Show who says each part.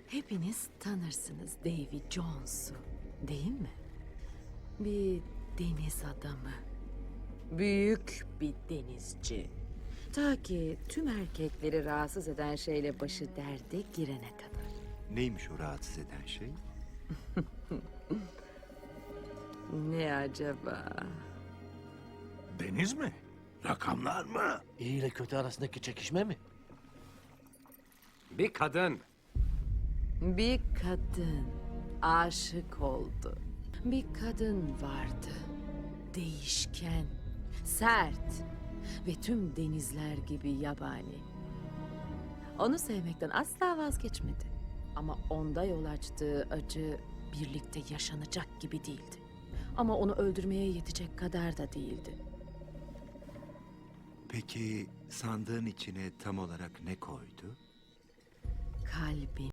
Speaker 1: Hepiniz tanırsınız Davy Jones'u, değil mi? Bir deniz adamı. Büyük bir denizci. Ta ki tüm erkekleri rahatsız eden şeyle başı derde girene kadar.
Speaker 2: Neymiş o rahatsız eden şey?
Speaker 1: Ne acaba?
Speaker 3: Deniz mi? Rakamlar mı?
Speaker 4: İyi ile kötü arasındaki çekişme mi?
Speaker 5: Bir kadın.
Speaker 1: Bir kadın aşık oldu. Bir kadın vardı. Değişken, sert ve tüm denizler gibi yabani. Onu sevmekten asla vazgeçmedi. Ama onda yol açtığı acı birlikte yaşanacak gibi değildi. Ama onu öldürmeye yetecek kadar da değildi.
Speaker 2: Peki sandığın içine tam olarak ne koydu?
Speaker 1: Kalbin.